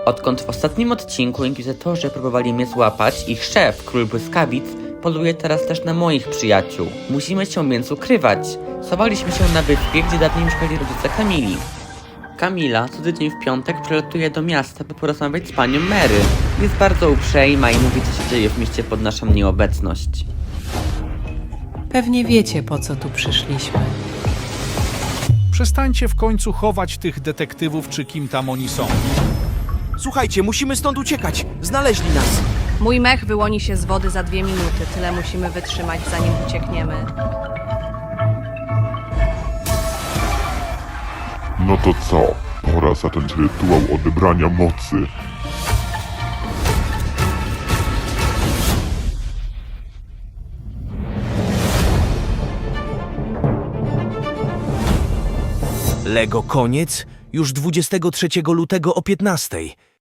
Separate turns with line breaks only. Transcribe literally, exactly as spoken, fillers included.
Odkąd w ostatnim odcinku inkwizytorzy próbowali mnie złapać, ich szef, Król Błyskawic, poluje teraz też na moich przyjaciół. Musimy się więc ukrywać. Schowaliśmy się na wyspie, gdzie dawniej mieszkali rodzice Kamili. Kamila co tydzień w piątek przylatuje do miasta, by porozmawiać z panią Mary. Jest bardzo uprzejma i mówi, co się dzieje w mieście pod naszą nieobecność.
Pewnie wiecie, po co tu przyszliśmy.
Przestańcie w końcu chować tych detektywów, czy kim tam oni są.
Słuchajcie, musimy stąd uciekać. Znaleźli nas.
Mój mech wyłoni się z wody za dwie minuty. Tyle musimy wytrzymać, zanim uciekniemy.
No to co? Pora zacząć rytuał odebrania mocy.
Lego koniec już dwudziestego trzeciego lutego o piętnastej.